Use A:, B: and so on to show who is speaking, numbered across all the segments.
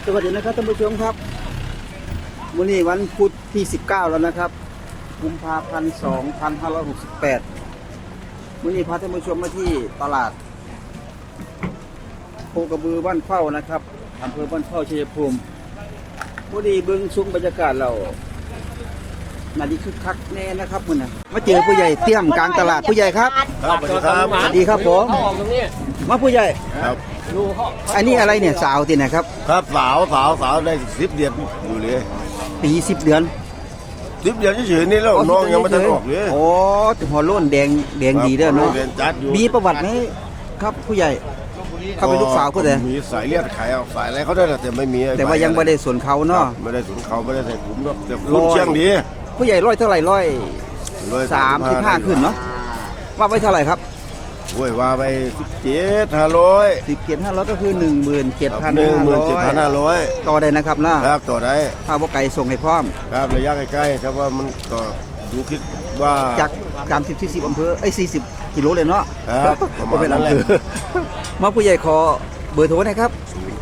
A: สวัสดีนะครับท่านผู้ชมครับวันนี้วันพุธที่19แล้วนะครับกุมภาพันธ์2568วันนี้พาท่านผู้ชมมาที่ตลาดโคกระบือบ้านเข้านะครับอำเภอบ้านเข้าชัยภูมิวันนี้เบื้องซุ้มบรรยากาศเรานาดีคึกคักแน่นะครับมึงนะมาเจอผู้ใหญ่เตี้ยมกลางตลาดผู้ใหญ่ครับ
B: ครับสวัสดีครับ
A: สวัสดีครับผมมาผู้ใหญ่
B: ครับ
A: อันนี้อะไรเนี่ยสาวที่ไหนครับ
B: ครับสาวได้10 เดือนอยู่เลย
A: ปี10 เดือน
B: 10 เดือนเฉยๆนี่แล้วน้องยังไม่ทันออกเลย
A: โอ้หัวโล้นแดงดีเด้อเนาะ
B: เรียนจัดอยู่
A: มีประวัติไหมครับผู้ใหญ่เขาเป็นลูกสาวเขาแต่
B: มีสายเลือดไขเอาสายอะไรเขาได้แต่ไม่มี
A: แต่ว่ายังไม่ได้ส่วนเขาเนาะ
B: ไม่ได้สวนเขาไม่ได้ใส่กลุ่มเนาะแต่รุ่นเชียงดี
A: ผู้ใหญ่ร้อยเท่าไหร่135ขึ้นเนาะว่าไว้เท่าไหร่ครับ
B: โอ้ยว่าไป17,500
A: 17,500ก็คือ
B: 17,500
A: ต่อได้นะครับนะครับ
B: ต่อได้
A: ถ้าว่าไก่ส่งให้พร้อม
B: ครับระยะใกล้ๆครับว่ามันก็ดูคิดว่า
A: จาก30-40อำเภอ40กิโลเลยเนาะ
B: ครับประมาณนั้นแหละ
A: มาผู้ใหญ่ขอเบอร์โทรนะครับ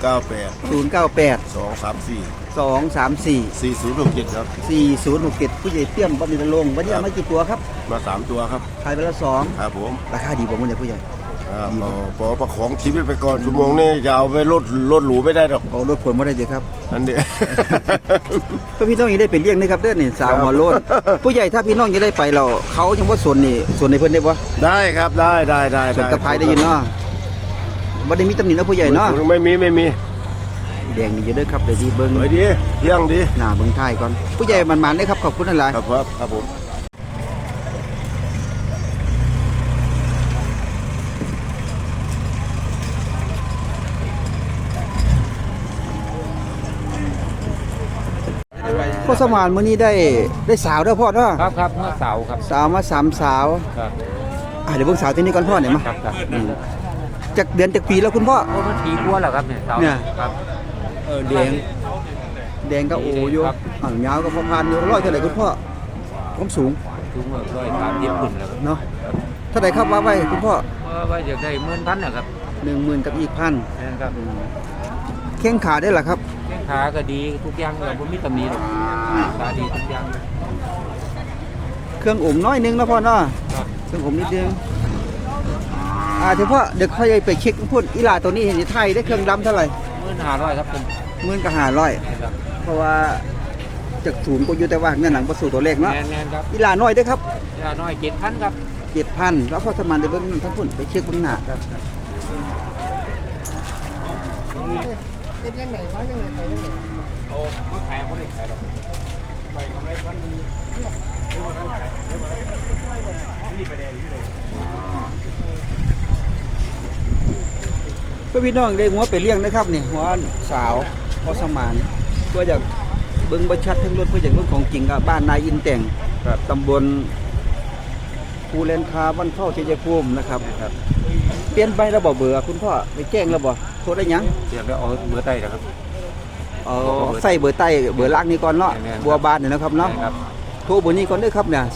B: 098
A: 234
B: 4067ครับ
A: 4067ผู้ใหญ่เตี้ยมบำรุงลงวันนี้มากี่ตัวครับ
B: มา3 ตัวครับ
A: ขายไปละ2
B: ครับผม
A: ราคาดีกว่ามื้อนี้ผู้ใหญ่
B: พอประของชีวิตไปก่อนชั่วโมงนี้จะเอาไปรถหรูไม่ได้หรอก
A: เอารถผลไม่ได้เดี๋ยวครับ
B: อันนี้
A: พี่น้องยังได้ไปเลี้ยงนะครับเด้อนี่สาวหัวโล้นผู้ใหญ่ถ้าพี่น้องจะได้ไปเราเขายังว่าส่วนในเพิ่นได้บ่
B: ได้ครับได้
A: ส่วนกระพายได้ยินเนาะบ่ได้มีตำหนินะผู้ใหญ่เนาะ
B: ไม่มี
A: แดงดีเยอะด้วยครับเดี๋ยวดีเบิ้ง
B: ดีเที่ยงดี
A: หน้าเบิ้งไทยก่อนผู้ใหญ่มันได้ครับขอบคุณอะไร
B: ครับผม
A: พ่อสมานมื้อนี้ได้สาวเด้อพ่อเนาะ
C: ครับเมื่อสาวครับ
A: สาวมา3 สาว
C: ครับ
A: เดี๋ยวเบิ่งสาวที่นี่ก่อนพ่อเนี่ยมา
C: ครับ
A: จากเดือนจากปีแล้วคุณพ่อ
C: มันปีกว่าแล้วครับเนี่ยสาว
A: เนี่ย
C: ครับ
A: แดงก็โออยู่ยาวก็พอพันอยู่ร้อยเท่าไหร่คุณพ่อความสูง
C: 130ขึ้นแล้ว
A: เนาะเท่าไหร่ครับว่าไว้คุณพ่อ
C: ว่าอยากได้10,000นะครับ
A: 10,000กับอีก1,000
C: ครับ
A: แข้งขาได้หรอครับ
C: แข้งขาก็ดีทุกอย่างเราไม่มีตำหนิหรอกขาดีทุกอย่าง
A: เครื่องอุ่มน้อยนึงนะพ่อเนาะเครื่องอุ่มนิดนึงเดี๋ยวพ่อเดี๋ยวค่อยไปเช็คพูดอีหลาตัวนี้เห็นไทยได้เครื่องดำเท่าไหร่
C: 15,000ครับผม
A: 15,000เพราะว่าจากศูนย์ก็อยู่แต่ว่าเงินหนังประสูตัวเลขเนาะ
C: ครับ
A: อีหลาน้อยได้ครับ
C: อีหลาน้อย7,000ครับ
A: 7,000แล้วพ่อสมานเดี๋ยวเบิ่งทั้งพุ่นไปเช็คเบิ่งหน้าครับ
C: เป็นยังไงเขายังไงไปยังไงโอ้ไม่ขายเขาไม่ขายหรอกไปกำไรพันนี่ไปแดงนี่เลย
A: พี่น้องได้หัวไปเลี้ยงนะครับนี่หัวสาวพ่อสมานก็อยากเบิ่งประชัดทั้งรถเพื่ออย่างเรื่องของจริงกับบ้านนายอินแต่งตำบลภูเลนคาบ้านเข้าชัยภูมินะครับเปลี่ยนไประบบเบอร์คุณพ่อไปแจ้งระบบโทรได้ยัง
C: เดี๋ยวเอาเบอร์ใต้นะครับ
A: ใส่เบอร์ใต้เบอร์ล่างนี้ก่อนเนาะบัวบานเนี่ยนะครับเนาะโทรเบอร์นี้ก่อนด้วยครับเนี่ย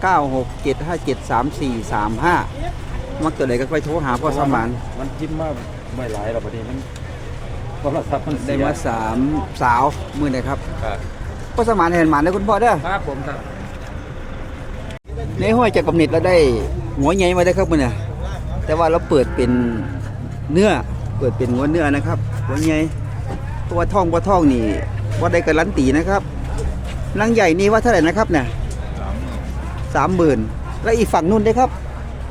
A: 0967573435มักตัวไหนก็ไปโทรหาพ่อสมาน
C: มันจิ้มมากไม่หลายหรอกประเด็นมันโทรศัพท์มัน
A: ได้มา3 สาวมื้อไหนครับพ่อสมานเห็นหมานได้คุณพ่อเด้อ
C: ครับผมครับ
A: ในห้อยจากกำเนิดแล้วได้หัวใหญ่มาได้ครับมื้อเนี่ยแต่ว่าเราเปิดเป็นเนื้อหัวเนื้อนะครับหัวใหญ่ตัวท่องนี่ว่าได้การันตีนะครับนางใหญ่นี่ว่าเท่าไหร่นะครับเนี่ย30,000แล้วอีกฝั่งนู่นได้ครับ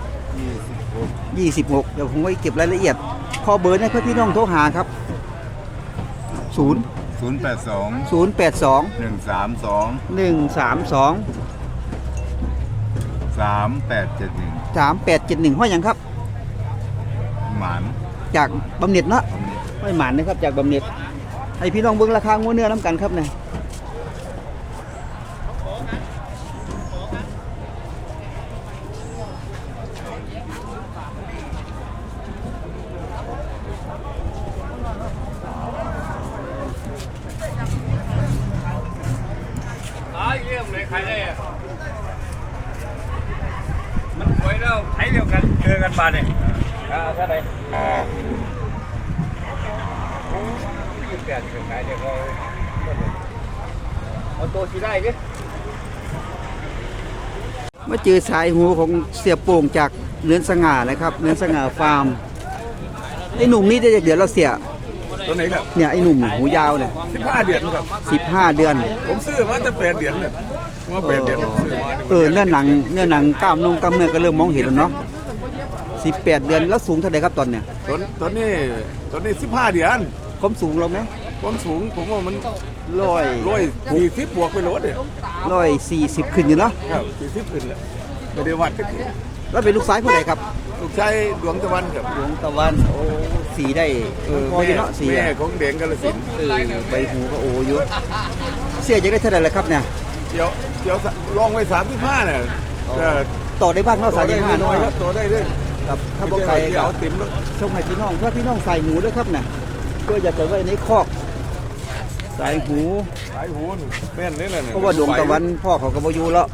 A: 26เดี๋ยวผมไว้เก็บรายละเอียดพอเบอร์นะเพื่อพี่น้องโทรหาครับ082 132 3871ห้อยยังครับ
B: หมาน
A: จากบำเหน็จเนาะไม่หมานนะครับจากบำเหน็จให้พี่น้องเบิ่งราคางัวเนื้อน้ำกันครับเนี่ย
C: เรื่องเลยใครได้มันสวยแล้วใช้เดียวกันเจอกันมาเนี่ยเท่าไหร่ปดขายเดี๋ยวเขาเอาตัวสีได้ดิ
A: มาเจอสายหูของเสียโป่งจากเนือนสง่านะครับเนือนสง่าฟาร์มไอ้หนุ่มนี่ได้จากเดือนเราเสีย
C: ตัวไหนครับ
A: เนี่ยไอ้หนุ่มหูยาวเนี่ย
C: 15 เดือนครับ
A: 15 เดือน
C: ผมซื้อมาจะ8 เดือนเนี่ยว่า8 เดือนผมซื้อมา
A: เนื้อหนังกล้ามกล้ามเนื้อก็เริ่มมองเห็นแล้วเนาะ18 เดือนแล้วสูงเท่าไหร่ครับตอนเนี่ย
C: ตัวนี้15 เดือน
A: ความสูงเราไหม
C: ความสูงผมว่ามัน
A: 140
C: บวกไปรถเนี่ย
A: 140ขึ้นอยู่เนาะ
C: ครับ40ขึ้นแล้วไม่ได้วัดกัน
A: แล้วเป็นลูกซ้ายผู้ใดครับ
C: ลูกชายดวงตะวันครับ
A: ดวงตะวันโอ้สีได้พออยู่เนาะสี
C: แม่
A: อะ
C: ของแดงกาฬสินธุ์
A: ใบหูก็โอ้อยู่เสียจะได้เท่าไหร่ละครับเนี่ย
C: เดี๋ยวลองไว้35เนี่ย
A: ต่อได้บ้างเนาะ
C: ต่อได้
A: 35
C: น้อย
A: เนาะ
C: ครับต่อได้ด้วย
A: ครับถ้าบ่ไกล
C: เดี๋
A: ก็
C: ยวติ่มแล้ว
A: ส่งให้พี่น้องเพื่อพี่น้องใส่หูด้วยครับเนี่ยเพื่ออยากจะไว้ในคอกใส่หู
C: สายหูนแม่นนี่แหละ
A: เพราะว่าดวงตะวันพ่อเขาก็บ่อยู่แล้ว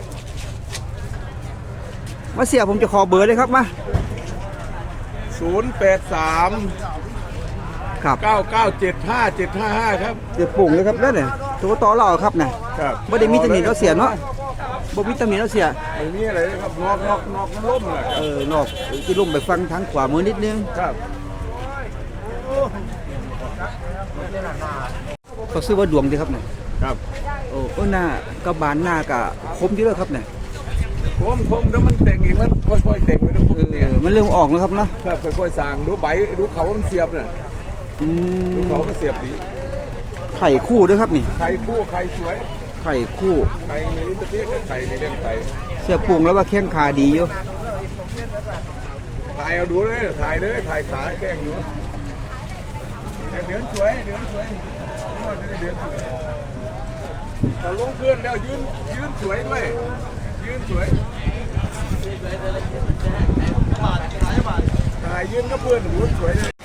A: มาเสียผมจะขอเบอร์เลยครับมา
C: 083
A: ครับ
C: 9975755ครับ
A: เดี๋ยวปุ่งเลยครับแล้วเนี่ยตัวต่อเราครับเนี่ย
C: ครับ
A: บ่ได้มีตำหนิเราเสียเนาะบ่มีตำหนิเราเสีย
C: ไอ้นี่อะไรนะครับนอกมันล่มเลย
A: นอกที่ลุ่มไปฟังทางขวามือนิดนึง
C: ครับ
A: เขาซื้อว่าดวงดีครับเนี่ย
C: ครับ
A: โอ้หน้ากระบาลหน้ากะคมอยู่แล้วครับเนี่ย
C: ผมแล้วมันแต่งอีกมันค่อยๆแต่งไปนะผมเนี่ย
A: มันเริ่มออกแล้วครับเนาะ
C: ครับค่อยๆสร้างดูใบดูเขามันเสียบเนี่ย
A: อื
C: ดู
A: ม
C: เขามันเสียบดี
A: ไข่คู่ด้วยครับนี่
C: ไข่คู่ไข่สวย
A: ไข่คู่
C: ไข่ในลิ้นตะเพียกไข่ในเลี้ยงไข่
A: เสียปรุงแล้วว่าแข้งขาดีอยู่
C: ถ่ายเอาดูเลยถ่ายเลยถ่ายขาแกล้งอยู่เดือนสวยเดือนสวยเดือนสวยเราลงเพื่อนแล้วยืนสวยด้วยยืนสวยถ่ายยืนก็เพื่อนหูสวยเลย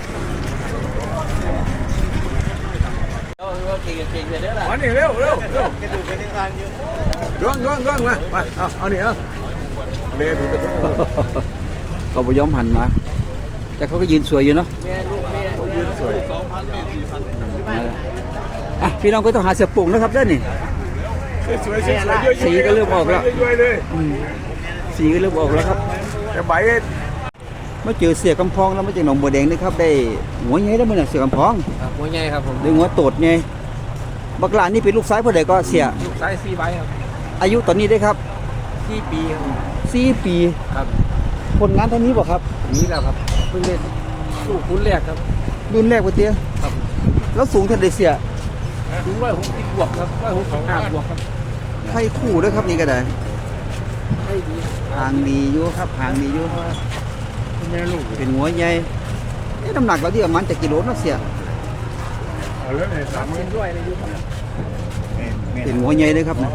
C: มานี่เร็วเรื่องมาเอานี่เอาเร็วดูกระตุ้น
A: เขาบ่ยอมหันมา แต่เขาก็ยืนสวยอยู่เนาะ
C: ยืนสวย
A: อ่ะพี่น้องก็ต้องหาเสียปรุงนะครับเด้อนี่
C: สวยๆๆ
A: สีก็เริ่มออกแล้ว
C: สวยๆเลย
A: สีก็เริ่มออกแล้วครับ
C: แต่ใบ
A: มาเจอเสียกำพองแล้วมาจากหนองบัวแดงนะครับได้หัวใหญ่แล้วมันน่ะเสียกำพอง
D: หัวใหญ่ครับผม
A: ได้หัวโตดไงบักหลานนี่เป็นลูกซ้ายผู้ใดก็เสีย
D: ลูกไซส์4ใบครับ
A: อายุตอนนี้ได้ครับ
D: 4 ปีครับ
A: 4 ปี
D: ครับ
A: ผลงานเท่านี้บ่ครับ
D: นี้แล้วครับเพิ่งเล่นลูกคุ้นแรกครับ
A: รุ่นแรกบ่เตี้ย
D: ครับ
A: แล้วสูงเท่าใดเสีย
D: ถึง160บวกครับ165บวกครับ
A: ไข่คู่ด้วยครับนี่ก็ได้
D: ให้ดี
A: หางดีอยู่ครับหางดีอยู่
D: แม่ลูก
A: เป็นหัวใหญ่น้ำหนักเราที่ประมาณจะกิโลเนาะเสีย
C: เอาเลย30,000
D: เห็นด้วยเลยอยู่ครับ
A: เป็นหัวใหญ่เลยครับนะ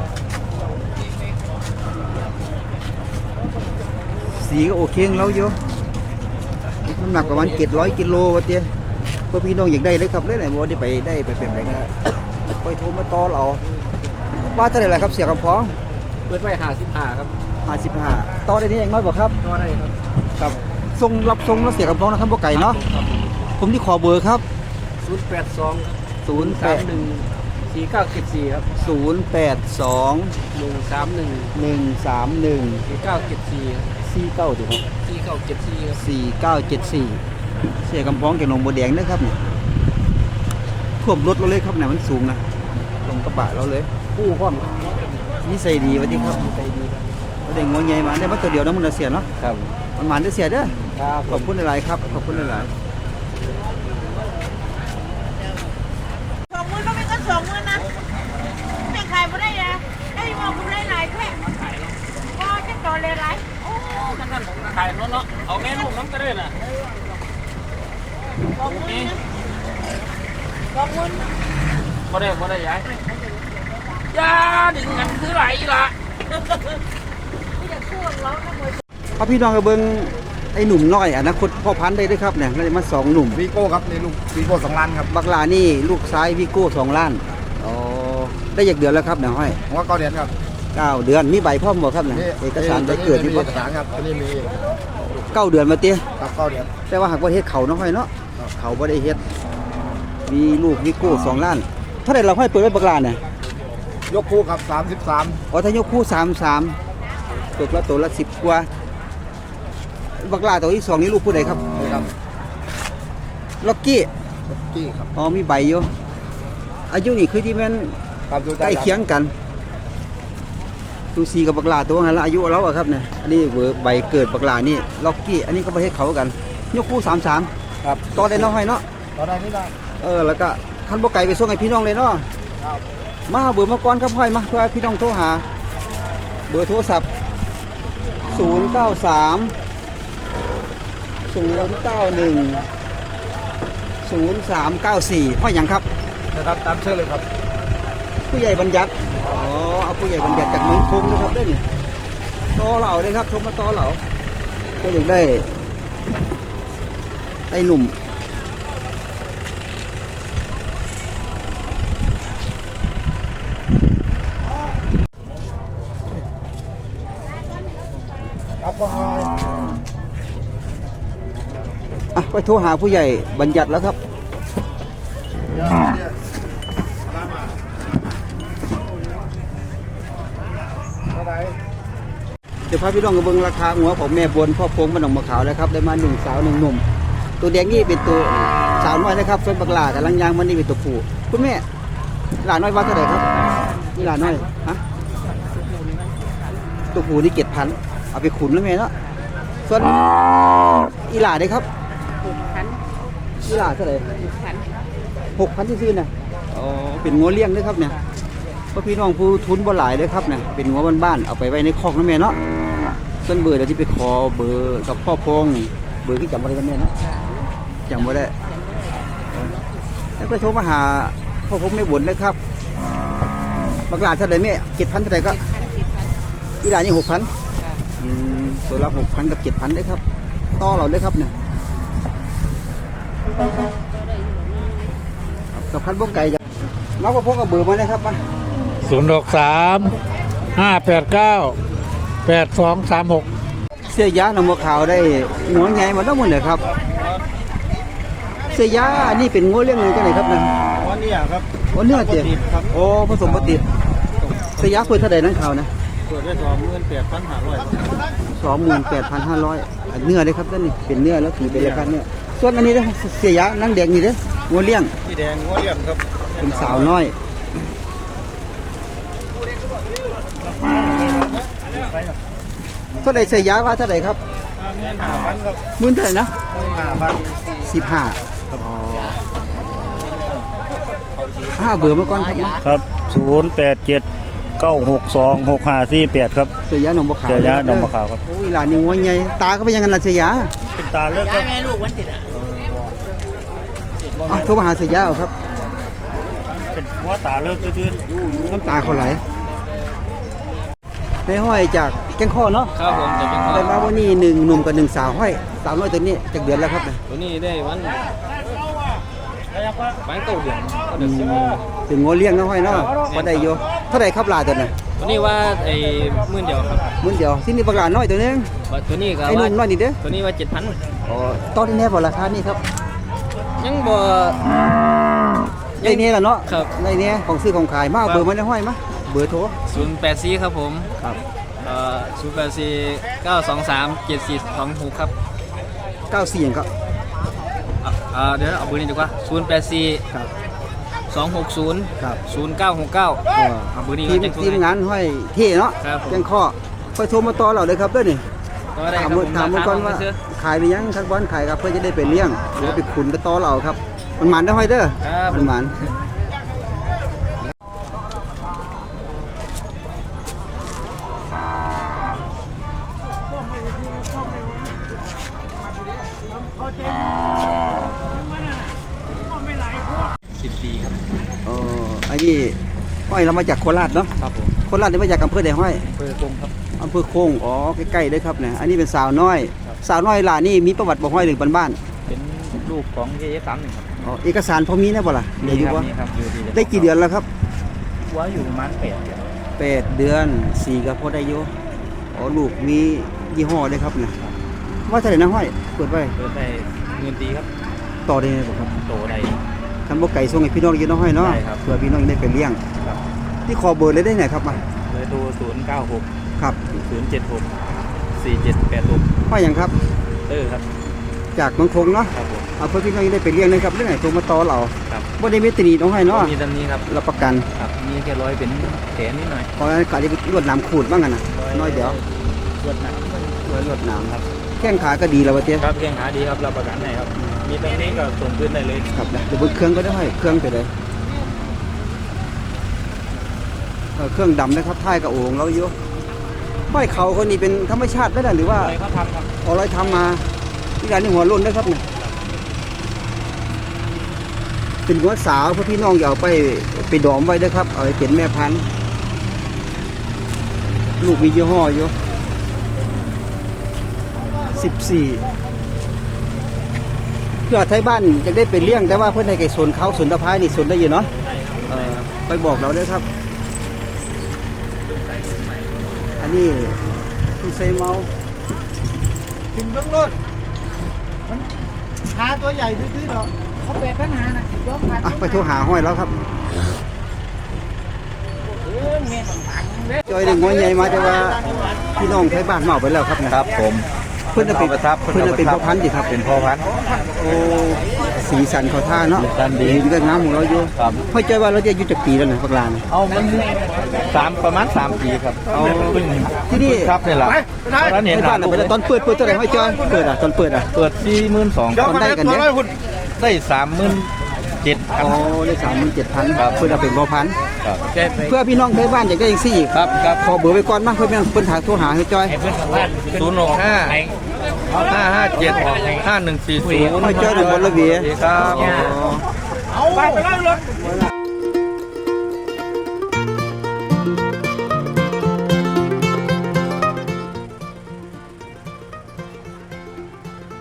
A: สีก็โอเคของเราอยู่น้ำหนักประมาณ700 กิโลวะเตี้ยเพื่อพี่น้องอยากได้เลยครับเลยไหนบ่ได้ไปได้ไปเป็นไรก็ไปโทรมาต่อเราว่าเท่าไหร่ล่ะครับเสียกำพอง
D: เปิดไว้55ครับ
A: 55ต่อได้นี่เองน้อยบ่ครับ
D: ก็ได้ครับ
A: ครับส่งรับส่งแล้วเสียกำพองนะครับบ่ไก่เนาะผมที่ขอเบอร์ครับ
D: 082
A: 081
D: 4974ครับ
A: 082
D: 131
A: 131
D: 4974
A: 49ถูกครับ
D: 4974ครับ
A: 4974เสียกำพองจากหนองบัวแดงนะครับเนี่ยท่วมรถเราเลยครับเนี่ยมันสูงนะลงกระบะเราเลย
D: คู่พร้อมครับ
A: นิสัยดีวันนี้ครับ
D: ใจดีครับ
A: ได้งวใหญ่มาได้มาตัวเดียวนะมันเสียเนาะ
D: ครับ
A: มันหมานได้เสียเด้อ
D: ครับ
A: ขอบคุณหลายๆครับขอบคุณหลาย
E: 20,000ก็ไม่ก็20,000นะไม่ขายไม่ได้เลยไอ้บอกคุณได้หลายแค่ก็จะต่อเลยหลายโอ้
D: นั่นผมขายรถเนาะเอาแม่ลูกน้ำกระเด็นอ่ะ
E: 20,000นะ20,000นะ
D: บ่ได้ยายยาดึงกันคือไหลละ
E: ไม่อยากพูดแล้วนะมวย
A: ๆเอาพี่น้องกับเบิ้งไอ้หนุ่มน้อยอนาคตพ่อพันธุ์ได้ด้วยครับเนี่ยได้มา2หนุ่ม
C: วีโก้ครับนี่ลูกวีโก้2 ล้านครับ
A: บักลานี่ลูกซ้ายวิโก้2 ล้านอ๋อได้อยากเดือนแล้วครับเนี่ยห้อย
C: ผมว่า9 เดือนครับ
A: 9 เดือนมีใบพร้อมบ่ครับเนี่ยเอกสารใบเกิด
C: มี
A: นี่
C: เอ
A: บ่
C: กสารครับอันนี้มี
A: 9 เดือนมาเตี้ย
C: ครับ9 เดือน
A: แต่ว่าหากว่าเฮ็ดเขาเนาะห้อยเนาะเขาบ่ได้เฮ็ดมีมีลูกวิโก้2 ล้านเท่าไหร่เราให้เปิดไว้บักลาเนี่ย
B: ยกคู่ครับ33
A: อ๋อถ้ายกคู่33ตกละตัวละ10กว่าบักลาตัวที่2นี่ลูกผู้ใดครับ
B: ครับ
A: ล็อกกี้
B: กี้ครับ
A: อ๋อมีใบอยู่อายุนี่คือที่แม่น
B: ครับดู
A: ใกล้เคียงกันตูซีกับบักลาตัวนั้นละอายุเราอะครับเนี่ยอันนี้เบอร์ใบเกิดบักลานี่ล็อกกี้อันนี้ก็ประเทศเขากันยกคู่33
B: ครับ
A: ต่อได้น้อยเนาะ
B: ตอนนี้ได้
A: แล้วก็คันบ่ไก่ไปส่งให้พี่น้องเลยเนาะมาเบอร์มาก่อนครับห้อยมาเพื่อให้พี่น้องโทรหาเบอร์โทรศัพท์093 091 0394ห้อยหยังครับ
B: นะครับตามชื่อเลยครับ
A: ผู้ใหญ่บัญญัติอ๋อเอาผู้ใหญ่บัญญัติจากเมืองคงนะครับได้นี่ต่อเหล่าเลยครับโทรมาต่อเหล่าก็อยากได้ไอ้หนุ่มไปโทรหาผู้ใหญ่บัญญัติแล้วครับเดี๋ยวพาพี่น้องกับเบิ้งราคาหัวของแม่บนพ่อพงบ้านหนองมะขาวแล้วครับได้มา1 สาว 1 หนุ่มตัวแดงนี่เป็นตัวสาวน้อยนะครับส่วนบักหลาแต่ลังยางมันนี่เป็นตัวผู้คุณแม่หลาน้อยว่าเท่าไหร่ครับนี่หลาน้อยฮะตัวผู้นี่7,000เอาไปขุนแล้วแม่เนาะส่วนอีหลาได้ครับ
E: 6,000
A: อีหลาเท่าไหร่
E: 6,000
A: 6,000ซื่อๆนะอ๋อเป็นงัวเลี้ยงด้วยครับเนี่ยเพราะพี่น้องผู้ทุนบ่หลายเลยครับเนี่ยเป็นงัวบ้านๆเอาไปไว้ในคอกนะแม่เนาะส่วนเบอร์เดี๋ยวที่ไปขอเบอร์กับพ่อพงเบอร์ที่จำบ่ได้กันแม่เนาะจำบ่ได้แล้วก็โทรมาหาพ่อพงไม่บ่นเลยครับบักหลาเท่าไหร่แม่7,000เท่าไหร่ก็อีหลานี่6,000ตัวละ6,000กับ7,000ได้ครับต่อเราเลยครับเนี่ยกับพันบ่ไก่จ้ะน้องพ่อพงกับเบอร์มาเลยครับมา
D: 063-589-8236
A: เสียยาหนองบัวขาวได้หัวใหญ่มาทั้งหมดเลยครับเสียยาอันนี้เป็นงัวเลี้ยงเลยจังไหนครับนะ
B: วันนี้ครับ
A: โอ้เนื้อเจ็บโอ้ผสมปฏิเสียยาคุยเท่าใดนั่นข่าวนะ
B: เปิดได้28,500
A: 28,500เนื้อเลยครับท่านนี่เป็นเนื้อแล้วถือเป็นราคาเนื้อส่วนอันนี้นะเสียยานั่งแดงนี่เด้องัวเลี้ยง
B: ที่แดงหัวเลี่ยมครับ
A: เป็นสาวน้อยเท่าไหร่เสียยาว่าเท่าไหร่ครับ
B: 5,000ครับ
A: มื้อเท่าไหร่นะ
B: 5,000
A: 15เบอร์มาก่อนครับ
F: ครับ087-962-6548 ครับ
A: เสียยาหนองบัวขาว
F: เจอยาดองมะขาวครับ
A: โอ้ยหลานนี่งัวใหญ่ตาก็เป็นยังไงล่ะเสียยา
F: เป็นตาเลือกครับ
A: โทรมาหาเสียยาเอาครับ
F: เป็นหัวตาเลือกซื่อ
A: น้ำตาเขาไหลในห้อยจากแก้งข้อเนาะ
D: ครับผมจะเป็นข้อ
A: ได้มาวันนี้1 หนุ่มกับ1 สาวห้อยสาวน้อยตัวนี้จากเดือนแล้วครับเนี่ย
D: ตัวนี้ได้วันเก้าเดือนก็เดือนสิบ
A: ถึงงัวเลี้ยงเนาะห้อยเนาะพอได้อยู่เท่าไหร่ครับหลานตัวน่ะ
D: ตัวนี้ว่าไอ้มื่นเดียวครับ
A: มื้อเดียวที่นี่บักหลานน้อยตัวนึง
D: ตัวนี้ก็
A: ไอ้ห
D: ว่า
A: นุ่มน้อยนี่เด้อ
D: ตัวนี้ว่า7,000
A: อ๋อตอนนี้แน่บ่ราคานี่ครับ
D: ยังบ่
A: ได้แน่ล่ะเนาะ
D: ครับ
A: ได้แน่ของซื้อของขายมาเอาเบอร์มาได้ห้อยมาเบอร์โทร
D: 084ครับผม
A: ครับ
D: 084-923-7426ครับ
A: 94หยังก็
D: เดี๋ยวเอาเบอร์นี้ดีกว่า084
A: ครับ
D: 260
A: ครับ
D: 0969เอาเบอร์นี้
A: ทีม
D: จัง
A: ทีมงานห้อยเท่เนาะ
D: ครับผม
A: แก้งข้อค่อยโทรมาต่อเราเลยครับเด้อนี่
D: ก็ได้ค
A: ถา
D: รั
A: ม
D: บผม
A: ถามมาก่อนว่า
D: ซื้อ
A: ขายไปยังทักบอลขายครับเพื่อจะได้ไปเลี้ยงหรือว่าไปขุนไปต่อเราครับมันหมันได้ห้อยเด้อ
D: ครับ
A: มันหมัน
D: 10 ปีครับ
A: ไอ้นี่ห้อยเรามาจากโคราชเนาะ
D: ครับผม
A: โคราชนี่มาจากอำเภอใดห้อย
D: เบอร์ตรงครับ
A: อำเภอโค้งอ๋อใกล้ๆเลยครับเนี่ยอันนี้เป็นสาวน้อย สาวน้อยหล่านี่มีประวัติบ่ห้อยหรือบ้าน
D: เป็นลูกของเอ31ครับ
A: ๆอ๋อเอกสารพอมีนะบ่ล่ะเดี๋ยวอยู่ว่า
D: นี่ครับอยู่ดี
A: ได้กี่เดือนแล้วครับ
D: ว่าอยู่ประมาณ8 เดือน
A: 8 เดือน4ก็พอได้อยู่อ๋อลูกมียี่ห้อเลยครับเนี่ยว่าเท่าไหร่นะห้อยเปิดไว้
D: เปิดไปเงินตีครับ
A: ต่อได้ไหมบ่ครับ
D: โตได้
A: คันบ่ไก่ส่งให้พี่น้องอยู่น้อยเนาะ
F: ได้ครับ
A: เพื่อพี่น้องได้ไปเลี้ยง
F: ครับ
A: ที่ขอเบอร์เลยได้ไหนครับมา
F: เลยโทร096
A: ครับ
F: 076 4786
A: ว่าหยังครับ
F: ครับ
A: จากเมืองคงเนาะ
F: ครับผม
A: เอาเพื่อพี่น้องได้ไปเลี้ยงนะครับเรื่องไหนโทรมาต่อเรา
F: ครับ
A: บ่ได้มีตรีน้องให้เนาะ
F: มีตำนี้ครับ
A: รับประกัน
F: ครับมีแค่ร้อยเป็นแขนนิดหน่อย
A: เพราะงั้นก็จะรวดน้ำขูดบ้างกันนะน้อยเดียว
F: รวดหนัก
A: รวดน้ำครับแข้งขาก็ดีแล้ววะเตี้ย
F: ครับแข้งขาดีครับรับประกันให้ครับ มีตำนี้ก็ส่งขึ้นได้เลย
A: ครับเดี๋ยวบนเครื่องก็ได้ให้เครื่องไปเลยเครื่องดำนะครับท้ายกับโอ่งเราอยู่ห้อยเขาคนนี้เป็นธรรมชาติได้หรือว่า
F: อะไรเขาทำครับ
A: เอาอะไรทำมาที่ร้านนี้หัวรุ่นนะครับเนี่ยเป็นหัวสาวเพื่อพี่น้องอย่าเอาไปดอมไว้ด้วยครับเอาไปเป็นแม่พันธุ์ลูกมียี่ห้ออยู่14เพื่อไทยบ้านจะได้ไปเลี้ยงแต่ว่าเพื่อนในไก่สนเขาสนตะไคร้นี่สนได้อยู่เนาะไปบอกเราด้วยครับ อันนี้คุณเซเมา
C: กินเบื้องรถมันหาตัวใหญ่ดื้อๆเนาะเขาแปดปัญหานะยกผ่าน
A: อ่ะไปโทรหาห้อยแล้วครับจอยเด็กงอยใหญ่มาแต่ว่าพี่น้องไทยบ้านเมาไปแล้วครับนะครับ
C: ผม
A: เพื่อนจะเป็นพ่อพันธุ์ดิครับ
C: เป็นพ่อพันธุ์
A: โอ้สีสันเขาท่าเนาะ
C: สีสันดี
A: ก็งามของเราอยู่
C: ครับ
A: ห้อยใจว่าเราจะอายุจากปีแล้วนะพักลาน
C: เอามันประมาณ3 ปีครับ
A: เอา
C: เพิ่ง
A: ที่นี่
C: ครับนี่แหละตอนนั้น
A: ไท
C: เห็น
A: ยบ้านน่ะไปแล้วตอนเปิดเท่าไหร่ห้อยจอยเปิดอ่ะตอนเปิดอ่ะ
C: เปิด42,000
A: คนได้กันเนี่ย
C: ได้37,000
A: โอ้ได้37,000ครับเพื่อนเอาเป็นพ่อพันธุ์
C: ครับ
A: เพื่อพี่น้องไทยบ้านอยากได้อีกสี่
C: ครับครับ
A: ขอเบอร์ไว้ก่อนมาเพื่อนเพิ่นถามโทรหาให้จอย
C: 065 557 5140
A: ห้อยจอยหนึ่งบนระเบียง
C: ครับ
A: อ๋อ